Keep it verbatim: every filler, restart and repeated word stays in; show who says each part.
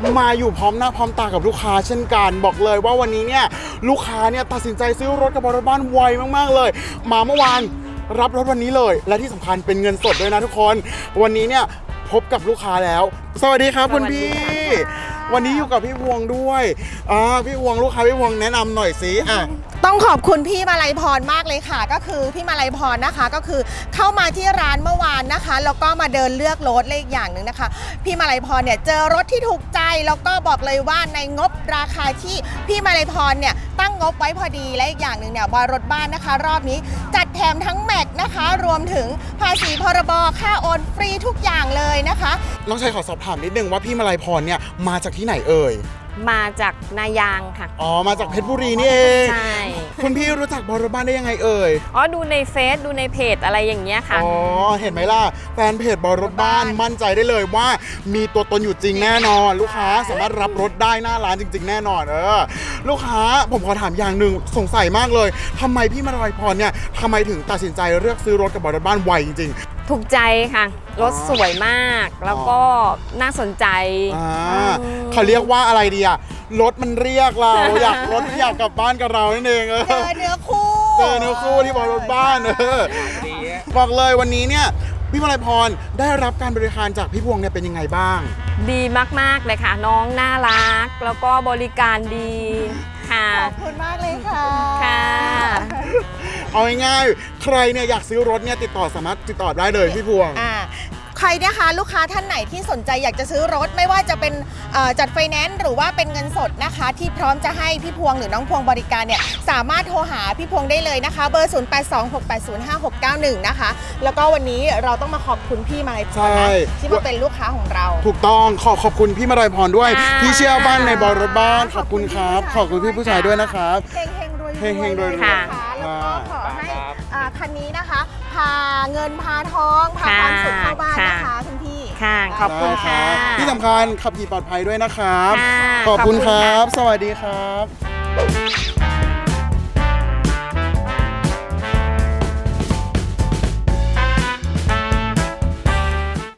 Speaker 1: มาอยู่พร้อมหน้าพร้อมตากับลูกค้าเช่นกันบอกเลยว่าวันนี้เนี่ยลูกค้าเนี่ยตัดสินใจซื้อรถกับบริษัทบ้านไวมากๆเลยมาเมื่อวานรับรถวันนี้เลยและที่สำคัญเป็นเงินสดด้วยนะทุกคนวันนี้เนี่ยพบกับลูกค้าแล้วสวัสดีครับคุณพี่วันนี้อยู่กับพี่พวงด้วยอ่าพี่พวงลูกค้าพี่พวงแนะนำหน่อยสิอ่ะ
Speaker 2: ต้องขอบคุณพี่มาลัยพรมากเลยค่ะก็คือพี่มาลัยพรนะคะก็คือเข้ามาที่ร้านเมื่อวานนะคะแล้วก็มาเดินเลือกรถเลขอย่างหนึ่งนะคะพี่มาลัยพรเนี่ยเจอรถที่ถูกใจแล้วก็บอกเลยว่าในงบราคาที่พี่มาลัยพรเนี่ยตั้งงบไว้พอดีและอีกอย่างหนึ่งเนี่ยบอยรถบ้านนะคะรอบนี้จัดแถมทั้งแม็กนะคะรวมถึงภาษีพรบค่าโอนฟรีทุกอย่างเลยนะคะ
Speaker 1: น้องชายขอสอบถามนิดนึงว่าพี่มาลัยพรเนี่ยมาจากที่ไหนเอ่ย
Speaker 3: มาจากนายางค่ะ
Speaker 1: อ๋อมาจากเพชรบุรีนี่เอง
Speaker 3: ใช่
Speaker 1: คุณพี่รู้จักบริษัทบ้านได้ยังไงเอ่ย
Speaker 3: อ๋อดูในเฟซดูในเพจอะไรอย่างเงี้ยค่ะ
Speaker 1: อ๋อเห็นไหมล่ะแฟนเพจบริษัทบ้านมั่นใจได้เลยว่ามีตัวตนอยู่จริงแน่นอนลูกค้าสามารถรับรถได้หน้าร้านจริงๆแน่นอนเออลูกค้าผมขอถามอย่างหนึ่งสงสัยมากเลยทำไมพี่มาลัยพรเนี่ยทำไมถึงตัดสินใจเลือกซื้อรถกับบริษัทบ้านไวจริง
Speaker 3: ๆถูกใจค่ะรถสวยมากแล้วก็น่าสนใจ
Speaker 1: เขาเรียกว่าอะไรดีอะรถมันเรียกเราอยากรถอยากกลับบ้านกับเรานั่นเองเ
Speaker 2: จอเนื้อคู่
Speaker 1: เจอเนื้อคู่ที่บริษัทบ้านเออบอกเลยวันนี้เนี่ยพี่มาลัยพรได้รับการบริการจากพี่พวงเนี่ยเป็นยังไงบ้าง
Speaker 3: ดีมากๆเลยค่ะน้องน่ารักแล้วก็บริการดีค่ะ
Speaker 2: ขอบคุณมากเลยค่ะ
Speaker 3: ค่ะ
Speaker 1: เอาง่ายๆใครเนี่ยอยากซื้อรถเนี่ยติดต่อสามารถติดต่อได้เลยพี่พวง
Speaker 2: อ่าใครนะคะลูกค้าท่านไหนที่สนใจอยากจะซื้อรถไม่ว่าจะเป็นจัดไฟแนนซ์หรือว่าเป็นเงินสดนะคะที่พร้อมจะให้พี่พวงหรือน้องพวงบริการเนี่ยสามารถโทรหาพี่พวงได้เลยนะคะเบอร์ศูนย์ แปด สอง หก แปด ศูนย์ ห้า หก เก้า หนึ่งนะคะแล้วก็วันนี้เราต้องมาขอบคุณพี่มาลัยพรนะที่มาเป็นลูกค้าของเรา
Speaker 1: ถูกต้องขอขอบคุณพี่มาลัยพรด้วยที่เชื่อบ้านในบริษัทบ้านขอบคุณครับขอบคุณพี่ผู้ชายด้วยนะครับ
Speaker 2: เฮงเฮงรวย
Speaker 1: เฮงเฮงรวย
Speaker 2: ค่ะแล้วก็ขอให้คันนี้นะคะพาเงินพาทองพาความสุขเข้าบ้านนะคะคุณพี่
Speaker 3: ค่ะขอบคุณค่ะ
Speaker 1: ที่สำคัญขับขี่ปลอดภัยด้วยนะครับขอบคุณครับสวัสดีครับ